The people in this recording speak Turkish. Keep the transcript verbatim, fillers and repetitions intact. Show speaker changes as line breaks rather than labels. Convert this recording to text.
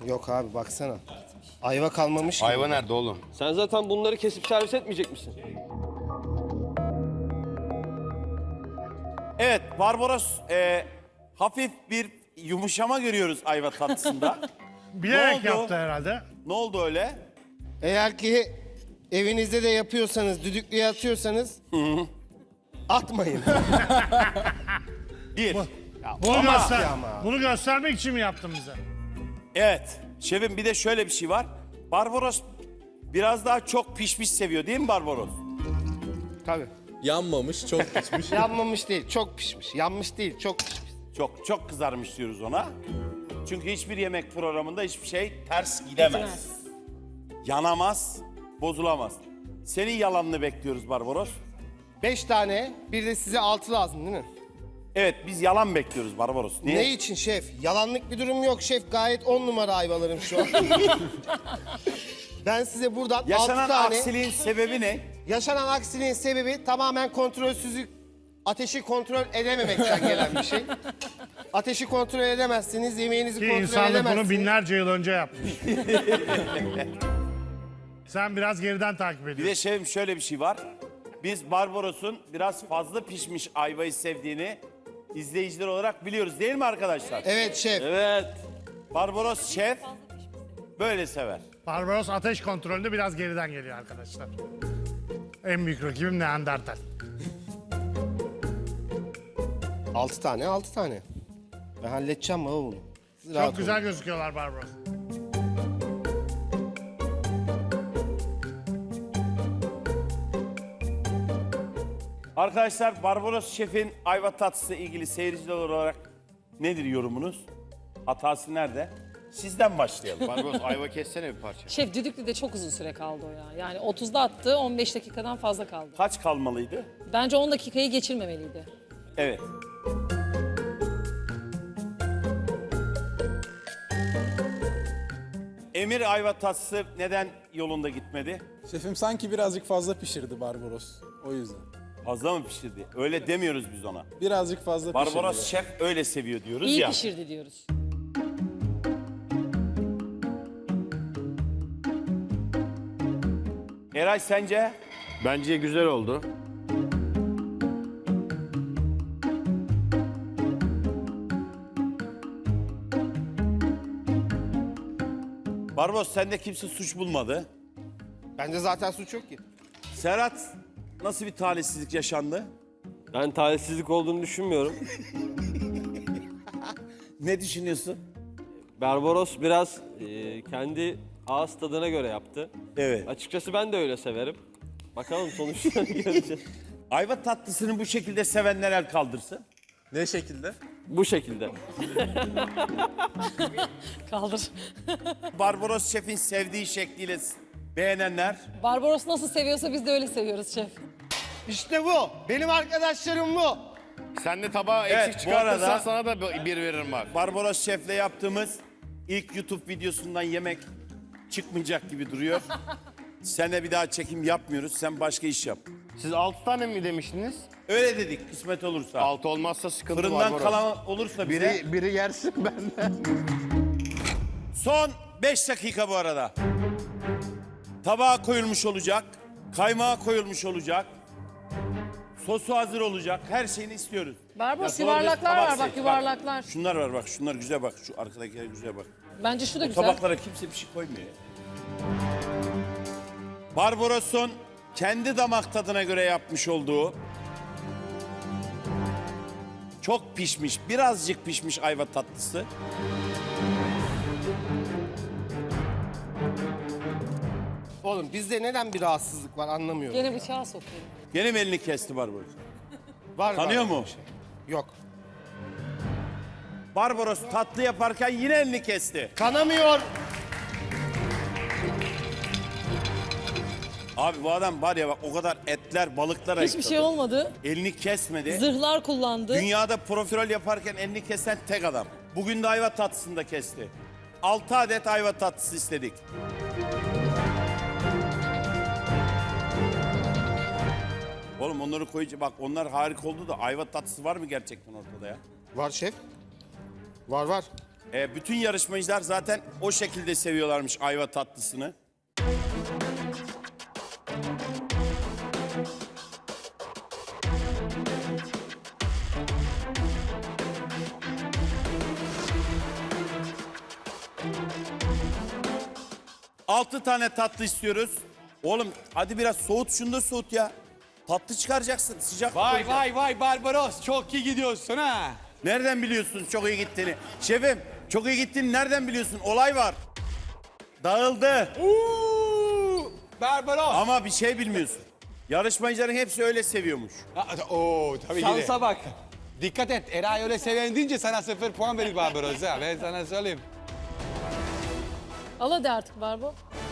Yok abi baksana. Ayva kalmamış gibi.
Ayva nerede oğlum?
Sen zaten bunları kesip servis etmeyecek misin?
Evet, Barbaros e, hafif bir yumuşama görüyoruz ayva tatlısında.
Bilerek
Ne oldu?
yaptı herhalde.
Ne oldu öyle?
Eğer ki evinizde de yapıyorsanız, düdüklüye atıyorsanız atmayın.
Bir.
Bunu,
ama-
göster
ama.
bunu göstermek için mi yaptın bize?
Evet, şefim bir de şöyle bir şey var. Barbaros biraz daha çok pişmiş seviyor değil mi Barbaros?
Tabii.
Yanmamış, çok pişmiş.
Yanmamış değil, çok pişmiş. Yanmış değil, çok pişmiş.
Çok çok kızarmış diyoruz ona. Çünkü hiçbir yemek programında hiçbir şey ters gidemez. Yanamaz, bozulamaz. Senin yalanını bekliyoruz Barbaros.
Beş tane, bir de size altı lazım değil mi?
Evet, biz yalan bekliyoruz Barbaros. Niye?
Ne için şef? Yalanlık bir durum yok şef. Gayet on numara ayvalarım şu an. Ben size buradan
Yaşanan
altı tane...
aksiliğin sebebi ne?
Yaşanan aksiliğin sebebi tamamen kontrolsüzlük, ateşi kontrol edememekten gelen bir şey. Ateşi kontrol edemezsiniz, yemeğinizi
Ki
kontrol
insanlık
edemezsiniz.
bunu binlerce yıl önce yapmış. Sen biraz geriden takip
Bir
ediyorsun.
de şefim şöyle bir şey var. Biz Barbaros'un biraz fazla pişmiş ayvayı sevdiğini izleyiciler olarak biliyoruz değil mi arkadaşlar?
Evet şef.
Evet.
Barbaros şef böyle sever.
Barbaros ateş kontrolünde biraz geriden geliyor arkadaşlar. En büyük rakibim Neandertal.
Altı tane, altı tane. Ben halledeceğim baba bunu. Siz rahat
Çok güzel
olun.
gözüküyorlar Barbaros.
Arkadaşlar Barbaros şefin ayva tatlısı ilgili seyirciler olarak nedir yorumunuz? Hatası nerede? Sizden başlayalım.
Barbaros ayva kessene bir parça.
Şef düdüklüde çok uzun süre kaldı o ya. Yani otuzda attı, on beş dakikadan fazla kaldı.
Kaç kalmalıydı?
Bence on dakikayı geçirmemeliydi.
Evet. Emir ayva tatlısı neden yolunda gitmedi?
Şefim sanki birazcık fazla pişirdi Barbaros. O yüzden.
Fazla mı pişirdi? Öyle demiyoruz biz ona.
Birazcık fazla
Barbaros
pişirdi.
şef öyle seviyor diyoruz
İyi
ya.
pişirdi diyoruz.
Eray sence?
Bence güzel oldu.
Barbaros sende kimse suç bulmadı.
Bende zaten suç yok ki.
Serhat nasıl bir talihsizlik yaşandı?
Ben talihsizlik olduğunu düşünmüyorum.
Ne düşünüyorsun?
Barbaros biraz e, kendi ağız tadına göre yaptı.
Evet.
Açıkçası ben de öyle severim. Bakalım sonuçlarını göreceğiz.
Ayva tatlısını bu şekilde sevenler el kaldırsın.
Ne şekilde?
Bu şekilde.
Kaldır.
Barbaros şefin sevdiği şekliyle s- beğenenler.
Barbaros nasıl seviyorsa biz de öyle seviyoruz şef.
İşte bu. Benim arkadaşlarım bu.
Sen de tabağı
Evet,
eksik
bu
çıkartırsan
arada-
sana da bir veririm bak.
Barbaros şefle yaptığımız ilk YouTube videosundan yemek çıkmayacak gibi duruyor. Seninle bir daha çekim yapmıyoruz. Sen başka iş yap.
Siz altı tane mi demiştiniz?
Öyle dedik kısmet olursa.
Altı olmazsa sıkıntı
Fırından
Barbaros.
kalan olursa bize.
Biri, biri yersin benden.
Son beş dakika bu arada. Tabağa koyulmuş olacak. Kaymağa koyulmuş olacak. Sosu hazır olacak. Her şeyini istiyoruz.
Barbaros
Ya doğru bir
yuvarlaklar
tabak
var bak
seç,
yuvarlaklar.
Şunlar var bak. Şunlar güzel bak. Şu arkadakiler güzel bak.
Bence şu da
Bu
güzel.
tabaklara kimse bir şey koymuyor ya. Barbaros'un kendi damak tadına göre yapmış olduğu çok pişmiş, birazcık pişmiş ayva tatlısı.
Oğlum bizde neden bir rahatsızlık var anlamıyorum.
Gene bıçağı sokuyor.
Gene mi elini kesti Barbaros?
Var,
Tanıyor
var
mu?
bir şey. Yok.
Barbaros tatlı yaparken yine elini kesti.
Kanamıyor.
Abi bu adam var ya bak o kadar etler, balıklar
Hiçbir
ayıkladı.
şey olmadı.
Elini kesmedi.
Zırhlar kullandı.
Dünyada profiterol yaparken elini kesen tek adam. Bugün de ayva tatlısını da kesti. Altı adet ayva tatlısı istedik. Oğlum onları koyunca bak onlar harika oldu da ayva tatlısı var mı gerçekten ortada ya?
Var şef. Var var.
E, bütün yarışmacılar zaten o şekilde seviyorlarmış ayva tatlısını. Altı tane tatlı istiyoruz. Oğlum hadi biraz soğut, şunu da soğut ya. Tatlı çıkaracaksın, sıcak
Vay
koyacaksın.
vay vay Barbaros çok iyi gidiyorsun ha.
Nereden biliyorsun çok iyi gittiğini? Şefim çok iyi gittiğini nereden biliyorsun? Olay var. Dağıldı.
Uuu Barbaros.
Ama bir şey bilmiyorsun. Yarışmacıların hepsi öyle seviyormuş.
Ha, Oo tabii ki de.
Şansa bak.
Dikkat et Eray öyle seven deyince sana sıfır puan verir Barbaros ha ben sana söyleyeyim.
Al hadi artık Barbo.